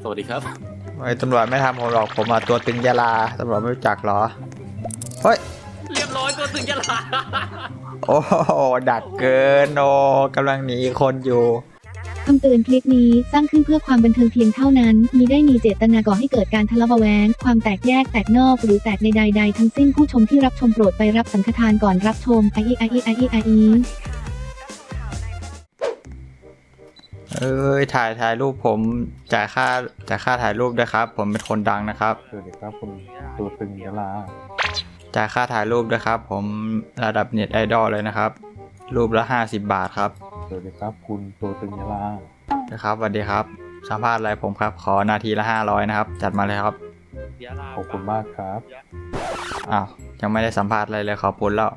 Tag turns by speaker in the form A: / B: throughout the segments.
A: สวัสดีครับ
B: ไอ้ตำรวจไม่ทำผมหรอกผมมาตัวตึงยาลาตำรวจไม่รู้จักเหรอเฮ้ย
A: เรียบร้อยตัวตึงยะลา
B: โอ้โหดักเกินโอ้กำลังหนีคนอยู่
C: คำเตือนคลิปนี้สร้างขึ้นเพื่อความบันเทิงเพียงเท่านั้นมิได้มีเจตนาก่อให้เกิดการทะเลาะเบาะแว้งความแตกแยกแตกนอกหรือแตกในใดๆทั้งสิ้นผู้ชมที่รับชมโปรดไปรับสังฆทานก่อนรับชม
B: ถ่ายรูปผมจ่ายค่าถ่ายรูปด้วยครับผมเป็นคนดังนะครับ
D: สวัสดีครับคุณตัวตึงยะลา
B: จ่ายค่าถ่ายรูปด้วยครับผมระดับเน็ตไอดอลเลยนะครับรูปละ50 บาทครับ
D: สวัสดีครับคุณตัวตึงยะลา
B: นะครับสวัสดีครับสัมภาษณ์อะไรผมครับขอนาทีละ500นะครับจัดมาเลยครับ
D: ขอบคุณมากครับ
B: อ้าวยังไม่ได้สัมภาษณ์อะไรเลยขอบคุณแล้ว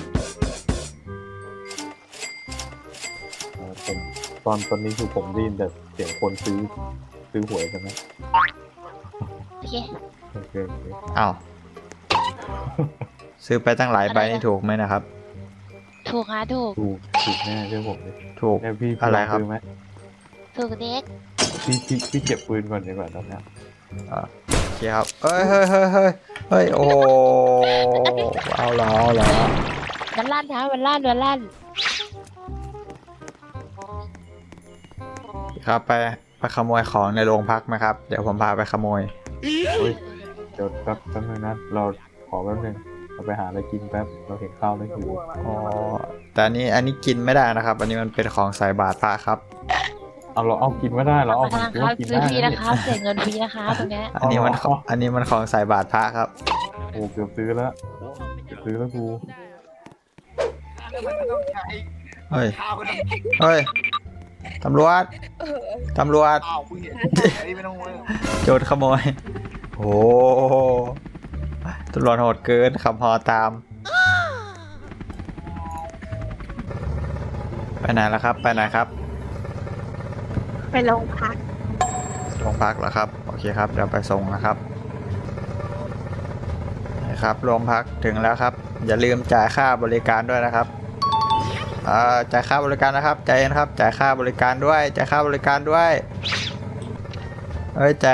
D: ตอนนี้คือผมได้ยินแต่เสียงคนซื้อหวยใช่ไหม
C: โอเค
B: อ้าวซื้อไปตั้งหลายใบนี่ถูกไหมนะครับ
C: ถูกค่ะ
D: ถูกแน่เชื่อผมดิ
B: ถูก
D: พี่
B: อะไรครับ
C: ถูกเด็ก
D: พี่เก็บปืนก่อนดีกว่าตอนนี้
B: โอเคครับเฮ้ยโอ้เอาเหรอ
C: มันลั่นครับมันลั่น
B: ครับไปขโมยของในโรงพักไหมครับเดี๋ยวผมพาไปขโมย
D: เดี๋ยวแป๊บนึงนะเราขอแป๊บนึงเราไปหาอะไรกินแป๊บเราเห็นข้าวแล้วหิว
B: อ๋อแต่อันนี้กินไม่ได้นะครับอันนี้มันเป็นของใส่บาตรพระครับ
D: เราเอากินไม่ได้เราเอา
C: ของกินได้ฟรีนะครับเสียเงินฟรีนะคะตรงนี้
B: อันนี้มันของใส่บาตรพระครับ
D: โอ้เกือบซื้อแล้วกู
B: เฮ้ยตำรวจโจรขโมยโอ้ตำรวจโหดเกินขับฮอตามไปไหนแล้วครับไปโ
C: รงพัก
B: เหรอครับโอเคครับเดี๋ยวไปส่งนะครับนะครับโรงพักถึงแล้วครับอย่าลืมจ่ายค่าบริการด้วยนะครับจ่ายค่าบริการนะครับใจเย็นครับจ่ายค่าบริการด้วยเฮ้ยจ่ายค่าบริการด้วยโอ้ย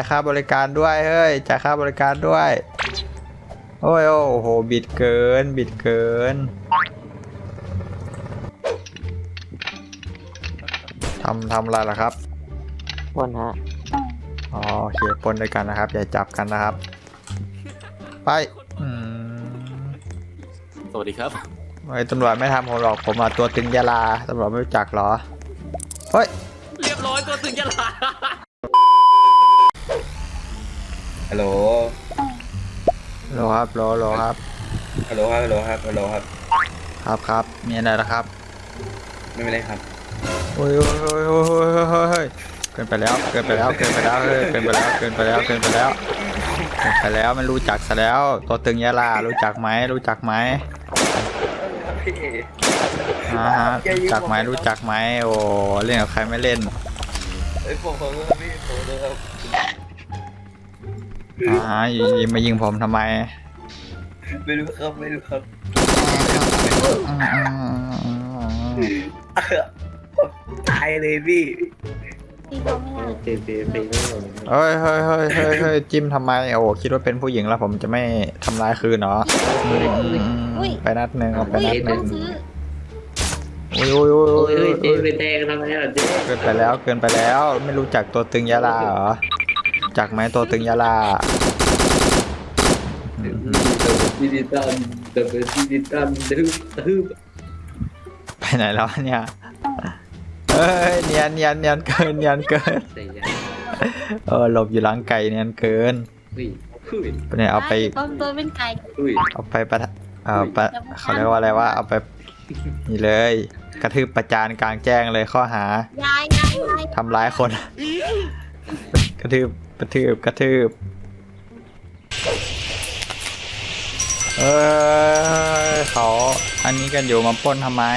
B: โอ้โหบิดเกินทำอะไรล่ะครับ
C: ปนฮะ
B: โอเคปนด้วยกันนะครับอย่าจับกันนะครับไป
A: สวัสดีครับ
B: ไอ้ตำรวจไม่ทำผมหรอกผมมาตัวตึงยาลาตำรวจไม่รู้จักเหรอเฮ้ย
A: เรียบร้อยตัวตึงยะลา
E: ฮัลโหล
B: ครับครับมีอะไรล่ะครับ
E: ไม่เป็นไรครับ
B: โอ้ยเกินไปแล้วมันรู้จักซะแล้วตัวตึงยาลารู้จักไหมรู้จักไหมโอ้เล่นกับใครไม่เล่นมายิงผมทำไม
E: ไม่รู้ครับตายเลยพี่
B: เฮ้ยจิ้มทำไมโอ้คิดว่าเป็นผู้หญิงแล้วผมจะไม่ทำร้ายคืนเนาะไปนัดหนึ่งโอ้ย
E: เจ๊ไปแทงทำไมล่ะเจ๊
B: เกินไปแล้วไม่รู้จักตัวตึงยาลาเหรอจักไหมตัวตึงยาลาไปไหนแล้วเนี่ยเนียนเกินหลบอยู่หลังไก่เนียนเกินเนี่ยเอาไป
C: เป็นไก่
B: เอาไปเขาเรียกว่าอะไรวะเอาไปนี่เลยกระทืบประจานกลางแจ้งเลยข้อหาทำร้ายคนกระทืบเขาอันนี้กันอยู่มาปล้นทำไม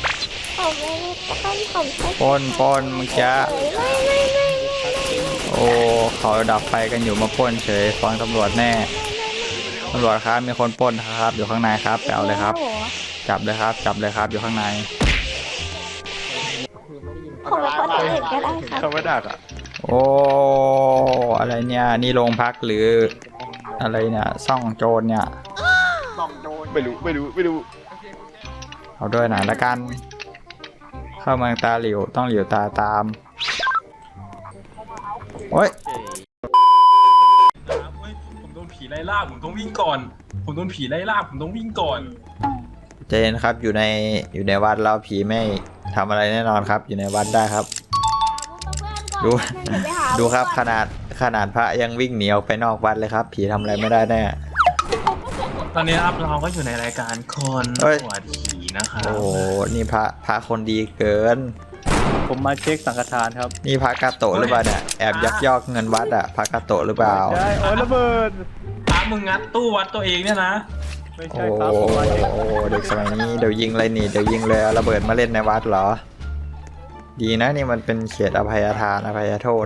B: ปล้นเมื่อกี้โอ้เขาดับไฟกันอยู่มาปล้นเฉยฟ้องตำรวจแน่ตำรวจครับมีคนปล้นครับอยู่ข้างในครับไปเอาเลยครับจับเลยครับอยู่ข้างใน
C: ผมเป็นคนอื่นก็ได้ครับ
B: เขาไม่ดักอ่ะโอ้อะไรเนี่ยนี่โรงพักหรืออะไรเนี่ยซ่องโจรเนี่ย
F: ไม่รู้
B: เอาด้วยหน่อยละกัน เข้าเมืองตาหลิวต้องหลิวตาตามโอ้ย
G: ผมโดนผีไล่ล่าผมต้องวิ่งก่อน ผมโดนผีไล่ล่าผมต้องวิ่งก่อน
B: เจนครับอยู่ในวัดแล้วผีไม่ทำอะไรแน่นอนครับ อยู่ในวัดได้ครับ ดูครับขนาดพระยังวิ่งหนีออกไปนอกวัดเลยครับ ผีทำอะไรไม่ได้แน่
G: ตอนนี้ครับเราก็อยู่ในรายการคน
B: เฮ้ย
G: หัวผีนะครับ
B: โอ้โหนี่พระคนดีเกิน
F: ผมมาเช็คสังฆทานครับ
B: นี่พระกาโตะหรือเปล่าเนี่ยแอบยักยอกเงินวัดอะพระกาโตะหรือเปล่า
F: ใช่โอ้ยระเบิด
G: พระมึงงัดตู้วัดตัวเองเนี่ยนะ
F: ไม่
B: โอ้
F: ใช่ครับผมมาเช็ค
B: โหเด็กสมัยนี้เดี๋ยวยิงเลยนี่เดี๋ยวยิงเลยเอาระเบิดมาเล่นในวัดเหรอ ดีนะนี่มันเป็นเขตอภัยทานอภัยโทษ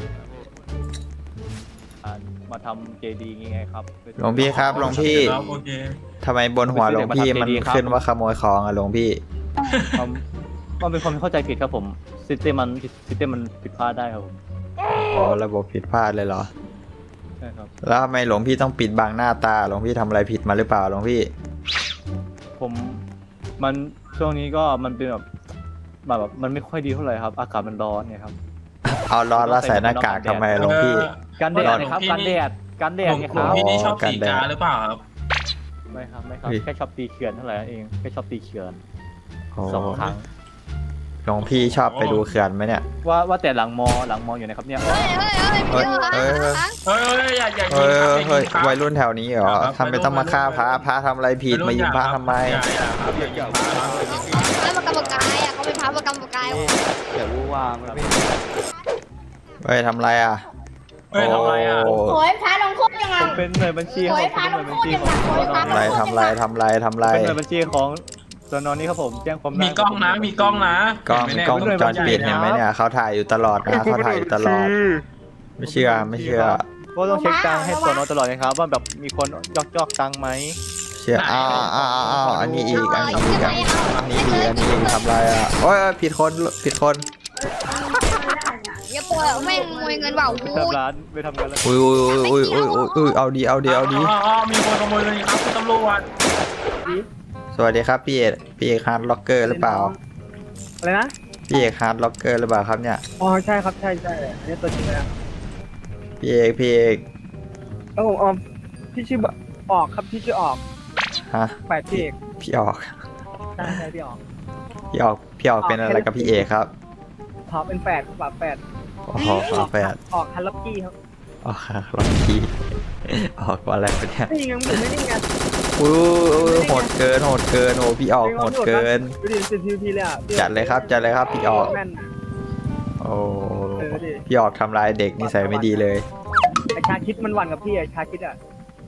F: มาทำเจดีย์ไงครับ
B: หลวงพี่ครับหลวงพี่
G: โอเค
B: ทำไมบนหัวหลวงพี่มันขึ้นว่าขโมยของอะหลวงพี่
F: มันเป็นความเข้าใจผิดครับผมซิสเต็มมันผิดพลาดได้ครับผม
B: อ๋อระบบผิดพลาดเลยเหรอ
F: ใช่ครับ
B: แล้วทำไมหลวงพี่ต้องปิดบังหน้าตาหลวงพี่ทำอะไรผิดมาหรือเปล่าหลวงพี่
F: ผมมันช่วงนี้ก็มันเป็นแบบมันไม่ค่อยดีเท่าไหร่ครับ อากาศมันร้อนเนี่ยครับ
B: เอาร้อนแล้วใส่หน้ากากทำไมหลวงพี่
F: กันแดดนะครับกันแดด
G: หลวง
F: เนี่ยค
G: หลวง
F: รับ
G: พี่นี่ชอบ
B: กัน
G: สี
B: แดด
G: กาหรือเปล่าครับ
F: ไม่ครับ
B: เฮ้ย
F: แค่ชอบตีเขื่อนเท่าไหร่นั่นเองแค่ชอบตีเขื่อน
B: โอ้
F: 2 ครั้ง
B: หลวงพี่ชอบไปดูเขื่อนไหมเนี่ย
F: ว่าแต่หลังมออยู่ไหนครับเนี่ย
B: เฮ้ยเฮ้ย
G: เฮ้ยอย่ายิง
B: เฮ้ย
G: ครับอย่า
B: เฮ้ย
G: ยิงครับ
B: วัยรุ่นแถวนี้เหรอ
G: ครับ
B: ทำไมต้องมาฆ่าพระทำอะไรผิดมายิงพระทำไม
G: อย่าครับอย่ายิงพระครับ
H: พระประกำปกายอ่ะเขาเป็นพระประกำปกาย
F: อย่ารู้ว่ามันไม่
B: เฮ้ยทำอะไรอ่ะ
G: เฮ้ยทำไรอ่ะ
B: โอ้
H: โอยพระลงโทษยังไง
F: ผมเป็นหน่วยบัญชีครับผมเป็นหน่วยบัญชีของสน
B: ทำไรทำไรทำไรทำไร
F: เป็นหน่วยบัญชีของสนนี้ครับผมแจ้งความได้
G: มีกล้องนะมีกล้องนะ
B: กล้อง
G: เห็นไหม
B: กล้องว
G: เนี่
B: งจรปิดเห็นไหมเนี่ยเขาถ่ายอยู่ตลอดนะเขาถ่ายอยู่ตลอด ไม่เชื่อไม่เชื่อ
F: ก็ต้องเช็คตังค์ให้สนตลอดนะครับว่าแบบมีคนยอกตังค์ไหม
B: เชื่ออ้าวอันนี้อีกอันนี้อีกอันนี้อีกทำไรอ่ะโอ้ยผิดคน
H: อย่าปล่อยแม่งขโมยเงินเปล่า
F: ไป
H: กู
F: ทำร้านไปทำงานแล้ว
B: อุ้ยเอาดีเอาดี
G: มีคนขโมยเลยครับคุณตำรวจ
B: สวัสดีครับพี่เอกฮาร์ดล็อกเกอร์หรือเปล่า
I: อะไรนะ
B: พี่เอกฮาร์ดล็อกเกอร์หรือเปล่าครับเนี่ย
I: อ๋อใช่ครับใช่อันนี้ตัวจริงนะ
B: พี่เอก
I: เออพี่ชื่อออกครับพี่ชื่อออก
B: ฮะ
I: แปดพี่เอก
B: พี่ออก
I: ใช่ใช่พี่ออก
B: พี่ออกเป็นอะไรกับพี่เอกครับ
I: ขอเป็นแปดครับแปด
B: โอ้โหแฟน
I: ออกฮันล็อกกี้ครับ
B: ออกค่ะล็อกกี้ออกว่าอะไรเนี่ย
I: นี่ยังไม่ได้ไง
B: อุ้ยโหดเกินโอ้พี่ออกโหดเกิน
I: ดูดิเป็นทีเลยอ่ะ
B: จัดเลยครับพี่ออก
I: แม่น
B: โอ้
I: ดิ
B: พี่ออกทำลายเด็กนิสัยไม่ดีเลย
I: ไอชาคิดมันหวั่นกับพี่ไอชาคิดอ่ะ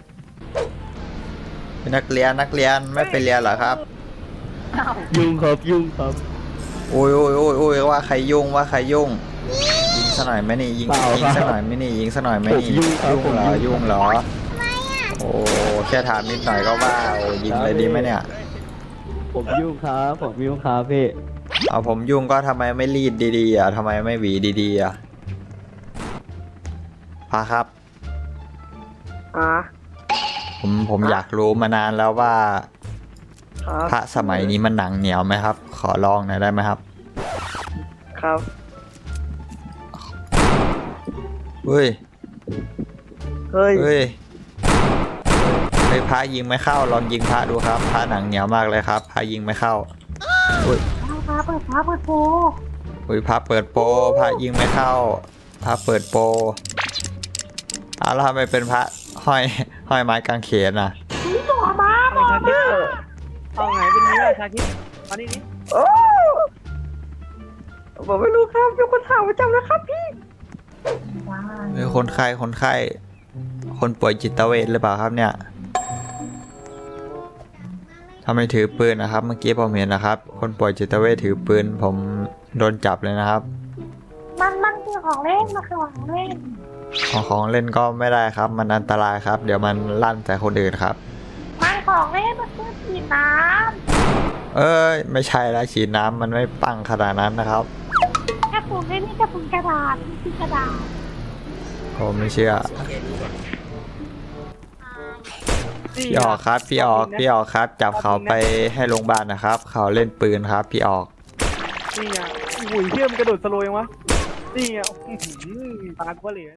B: นักเรียนไม่ไปเรียนเหรอครับ
F: ยุ่งครับ
B: โอ้ยว่าใครยุ่งยิงซะหน่อยไหมนี่ยิงซะหน่อยไหมนี่ยุ่งเหรอโอ้แค่ถามนิดหน่อยก็ว่าโอ้ยิงเลยดีไหมเนี่ย
F: ผมยุ่งครับพี่
B: เอาผมยุ่งก็ทำไมไม่รีดดีๆอ่ะทำไมไม่หวีดีๆอ่ะพาครับผมอยากรู้มานานแล้วว่าพระสมัยนี้มันหนังเหนียวไหมครับ ขอลองหน่อยได้ไหมครับ
I: ครับ
B: เฮ้ย
I: เฮ้ย
B: พระยิงไม่เข้าลองยิงพระดูครับพระหนังเหนียวมากเลยครับพระยิงไม่เข้าอุ้ยพระเปิดโปอุ้ยพระเปิดโปพระยิงไม่เข้าพระเปิดโปแล้วทำไมเป็นพระห้อยไม้กางเขนอ่ะ
I: ชาคิดเอาไงเป็นนี้ชาคิดมานี่นี่
B: ผมไม่รู้ครับยกคนถามประจำนะครับพี่คนไข้คนป่วยจิตเวชหรือเปล่าครับเนี่ยทำไมถือปืนนะครับเมื่อกี้ผมเห็นนะครับ คนป่วยจิตเวชถือปืนผมโดนจับเลยนะครับ
H: มันคือของเล่นมันคือของเล่น
B: ของเล่นก็ไม่ได้ครับ มันอันตรายครับ เดี๋ยวมันลั่นใส่คนอื่นครับ
H: มันของเล่นมันคือสีน้
B: เอ้ยไม่ใช่แล้วฉีดน้ำมันไม่ปังขนาดนั้นนะครับ
H: ำกระปุกเล่นนี่กระปุกกระดาษนี่คือกระดาษ
B: ผมไม่เชื่อพี่ออกครับพี่ออกครับ จับเขาไปให้โรงพยาบาลนะครับ เขาเล่นปืนครับพี่ออก
I: นี่ไงอุ้ยเชื่อมนกระโดดสโลว์ยังวะนี่ไงตาก็เหลย